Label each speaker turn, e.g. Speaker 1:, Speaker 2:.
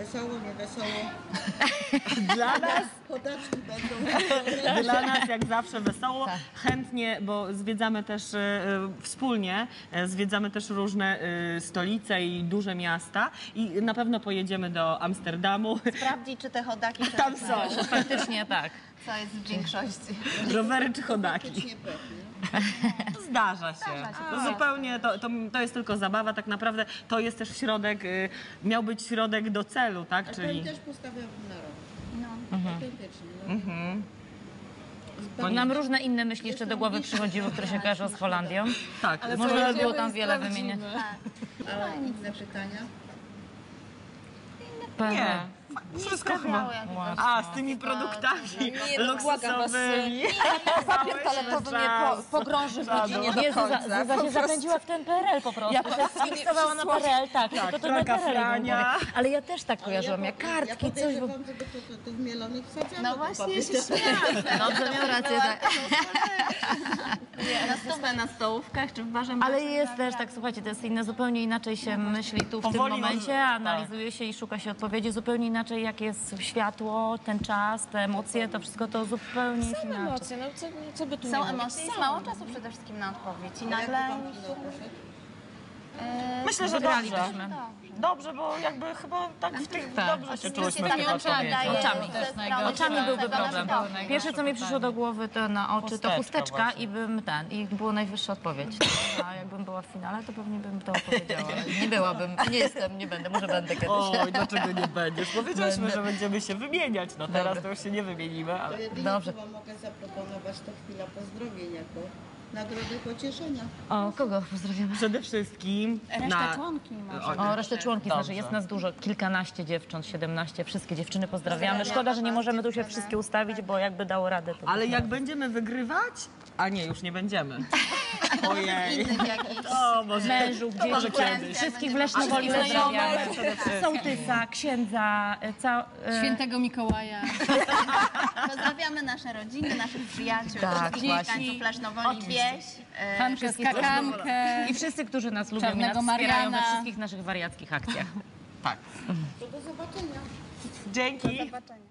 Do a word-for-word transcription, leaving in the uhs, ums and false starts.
Speaker 1: wesoło, nie wesoło.
Speaker 2: Dla nas,
Speaker 1: Chodaczki będą.
Speaker 2: dla nas jak zawsze wesoło. Chętnie, bo zwiedzamy też e, wspólnie, e, zwiedzamy też różne e, stolice i duże miasta i na pewno pojedziemy do Amsterdamu.
Speaker 3: Sprawdzić, czy te chodaki
Speaker 2: Tam są.
Speaker 4: Faktycznie tak.
Speaker 3: co jest w większości.
Speaker 2: Rowery czy chodaki.
Speaker 1: Faktycznie pewnie.
Speaker 2: Zdarza się. To zupełnie, to, to, to jest tylko zabawa, tak naprawdę to jest też środek, y, miał być środek do celu, tak?
Speaker 1: A
Speaker 2: Czyli...
Speaker 1: ten też postawiam na rok.
Speaker 3: No.
Speaker 1: Autentycznie. No.
Speaker 2: Mhm.
Speaker 1: Zupełnie.
Speaker 4: Nam różne inne myśli jeszcze do głowy przychodziły, które się kojarzą z Holandią.
Speaker 2: Tak, ale
Speaker 4: Można by było tam wiele wymieniać.
Speaker 1: A inne pytania?
Speaker 2: nie. Wszystko chyba. A, z tymi
Speaker 3: Tylko-
Speaker 2: produktami
Speaker 5: Nie, no błagam was,
Speaker 2: luksusowymi.
Speaker 5: papier toaletowy mnie po, pogrąży w godzinie do
Speaker 4: Nie, Zuza,
Speaker 5: końca.
Speaker 4: Zuza
Speaker 5: Po
Speaker 4: się
Speaker 5: prostu.
Speaker 4: zapędziła w ten P R L po prostu.
Speaker 5: Ja
Speaker 4: Ja
Speaker 5: po prostu nie
Speaker 4: fiksowała na P R L, tak.
Speaker 2: Tak,
Speaker 4: to to
Speaker 2: raka
Speaker 4: P R L jej
Speaker 2: Frania.
Speaker 4: było. Ale ja też tak kojarzyłam, jak
Speaker 1: ja,
Speaker 4: kartki,
Speaker 1: ja
Speaker 4: coś. Bo...
Speaker 1: podejrzewam, żeby to, to, to w mielonych wsadzano.
Speaker 3: No
Speaker 1: to
Speaker 3: właśnie,
Speaker 1: papier.
Speaker 3: się śmiałam.
Speaker 4: Dobrze, miał rację, tak.
Speaker 3: Na stówę na stołówkach czy w barze
Speaker 4: Ale
Speaker 3: mlecznym
Speaker 4: jest
Speaker 3: na
Speaker 4: też
Speaker 3: wiatr.
Speaker 4: tak, słuchajcie, to jest inne, zupełnie inaczej się myśli tu w tym
Speaker 2: Powoli
Speaker 4: momencie,
Speaker 2: może-
Speaker 4: analizuje się i szuka się odpowiedzi, zupełnie inaczej jak jest światło, ten czas, te emocje, to wszystko to zupełnie jest inaczej.
Speaker 5: Emocje, no co, co by tu nie
Speaker 3: Są
Speaker 5: mówić?
Speaker 3: emocje, jest mało czasu przede wszystkim na odpowiedź. I
Speaker 1: A jak
Speaker 3: nagle...
Speaker 1: pan finał poszedł?
Speaker 2: Myślę, że dobrze.
Speaker 4: Wygralibyśmy.
Speaker 2: Dobrze, bo jakby chyba tak w tych dobrze się czułyśmy
Speaker 3: tak
Speaker 2: chyba
Speaker 3: oczami.
Speaker 2: odpowiedzi.
Speaker 4: Oczami.
Speaker 3: Ze strony
Speaker 4: Oczami byłby
Speaker 3: tego
Speaker 4: problem.
Speaker 3: naszego.
Speaker 4: Pierwsze, co mi przyszło do głowy, to na oczy, to
Speaker 2: Chusteczka
Speaker 4: chusteczka
Speaker 2: właśnie.
Speaker 4: i bym ten, i było najwyższa odpowiedź. A jakbym była w finale, to pewnie bym to opowiedziała. Nie byłabym, nie jestem, nie będę, może będę kiedyś.
Speaker 2: Oj, dlaczego nie będziesz? Powiedzieliśmy,
Speaker 4: Będę.
Speaker 2: że będziemy się wymieniać. No teraz to już się nie wymienimy,
Speaker 1: To
Speaker 2: ale...
Speaker 1: jedynie,
Speaker 4: Dobrze.
Speaker 1: co wam mogę zaproponować, to chwila pozdrowień jako nagrodę pocieszenia.
Speaker 4: O, kogo pozdrawiamy?
Speaker 2: Przede wszystkim
Speaker 3: Resztę
Speaker 2: na...
Speaker 3: członki może.
Speaker 4: O, resztę członki,
Speaker 2: Dobrze.
Speaker 4: znaczy jest nas dużo, kilkanaście dziewcząt, siedemnaście, wszystkie dziewczyny pozdrawiamy. Szkoda, że nie możemy tu się wszystkie ustawić, bo jakby dało radę, to
Speaker 2: Ale jak będziemy wygrywać... A nie, już nie będziemy. Ojej.
Speaker 3: Innych jakichś.
Speaker 2: O, może,
Speaker 4: mężów,
Speaker 2: to może
Speaker 4: dzieci,
Speaker 2: kiedyś.
Speaker 4: wszystkich w Lesznowoli pozdrawiamy. Sołtysa, księdza, ca... e,
Speaker 6: Świętego Mikołaja.
Speaker 3: Pozdrawiamy nasze rodziny, naszych przyjaciół,
Speaker 4: Tak,
Speaker 3: wszystkich
Speaker 4: właśnie.
Speaker 3: mieszkańców Lesznowoli, wieś. e,
Speaker 6: Hankę,
Speaker 4: wszystkich
Speaker 6: skakankę.
Speaker 4: I wszyscy, którzy nas lubią i nas
Speaker 6: Czarnego
Speaker 4: wspierają we
Speaker 6: Mariana.
Speaker 4: wszystkich naszych wariackich akcjach.
Speaker 2: Tak.
Speaker 1: To do zobaczenia.
Speaker 2: Dzięki.
Speaker 3: zobaczenia.